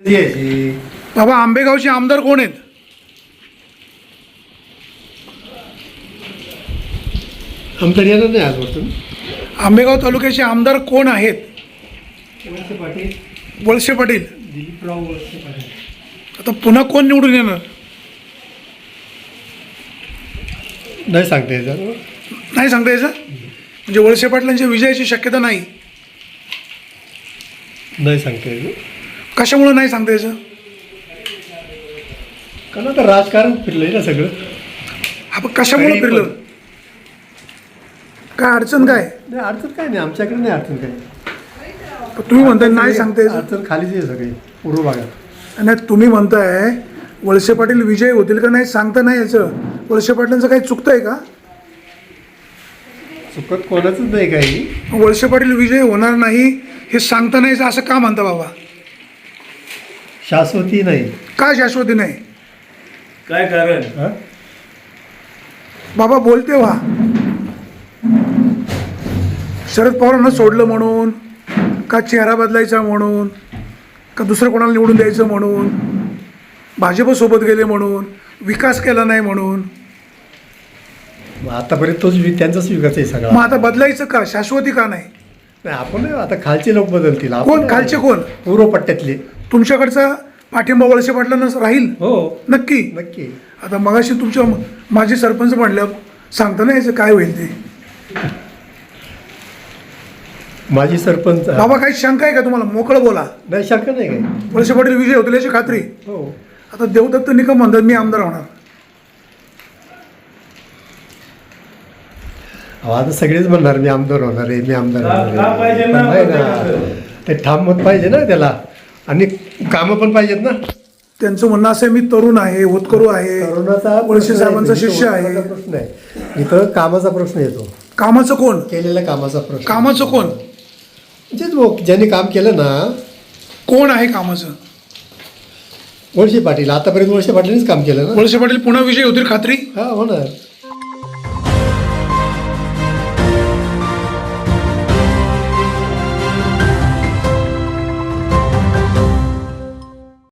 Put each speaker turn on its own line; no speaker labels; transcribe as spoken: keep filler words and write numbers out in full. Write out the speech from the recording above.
द्यायची.
बाबा आंबेगावचे आमदार कोण आहेत?
आमदार येणार नाही आजवरतून.
आंबेगाव तालुक्याचे आमदार कोण आहेत?
वळसे पाटील,
वळसे पाटील.
दिलीपराव वळसे पाटील.
आता पुन्हा कोण निवडून येणार?
नाही सांगता यायचं.
नाही सांगता यायचं. म्हणजे वळसे पाटलांच्या विजयाची शक्यता नाही.
नाही सांगता यायचं.
कशामुळे नाही सांगता यायचं?
कारण आता राजकारण फिरलंय ना सगळं.
आपण कशामुळे
काही
फिरलं?
पण.
काय अडचण काय?
नाही अडचण काय नाही, आमच्याकडे नाही अडचण काय.
पण तुम्ही म्हणताय नाही सांगता यायचं.
अडचण खालीच आहे सगळी पूर्व भागात.
नाही तुम्ही म्हणताय वळसे पाटील विजय होतील का नाही सांगता नाही याचं. वळसे पाटलांचं काही चुकतंय का?
चुकत कोणाचंच नाही काही.
वळसे पाटील विजय होणार नाही हे सांगता नाही असं का म्हणता बाबा?
शाश्वती नाही.
का शाश्वती नाही?
काय कारण?
हा?
बाबा बोलते व्हा. शरद पवारांना सोडलं म्हणून का चेहरा बदलायचा म्हणून का दुसरं कोणाला निवडून द्यायचं म्हणून भाजपसोबत गेले म्हणून विकास केला नाही म्हणून?
मग आतापर्यंत तोच वि- त्यांचाच विकास आहे सगळा.
मग आता बदलायचं का? शाश्वती का नाही?
नाही आपण नाही, आता खालचे लोक बदलतील. आपण
कोण
नाही.
खालचे कोण?
पूर्व पट्ट्यातले.
तुमच्याकडचा पाठिंबा वळसे पाटलांनाच राहील
हो
नक्की.
नक्की.
आता मगाशी तुमच्या माझे सरपंच म्हणल्या सांगता नाही याचं काय होईल ते.
माजी सरपंच.
बाबा काही शंका आहे का तुम्हाला? मोकळं बोला.
नाही शंका नाही काय.
वळसे पाटील विजय होतील याची खात्री.
हो.
आता देवदत्त निकम म्हणतात मी आमदार होणार.
अहो, आता सगळेच म्हणणार मी आमदार होणार आहे, मी आमदार
का-
होणार
का
आहे.
पाहिजे
पण
ना
नाही ना,
प्रत्येकाचं?
ते ठाम मत पाहिजे ना त्याला. आणि कामं पण पाहिजेत ना.
त्यांचं म्हणणं असं आहे मी तरुण आहे, होतकरू आहे,
करोनाचा
वळसे साहेबांचा शिष्य आहे.
प्रश्न आहे इथं. कामाचा प्रश्न येतो.
कामाचं कोण?
केलेल्या कामाचा प्रश्न.
कामाचं कोण?
म्हणजेच वो- ज्यांनी काम केलं ना.
कोण आहे कामाचं?
वळसे पाटील. आतापर्यंत वळसे पाटलांनीच काम केलं ना.
वळसे पाटील पुन्हा विजय होतील खात्री.
हा होणार.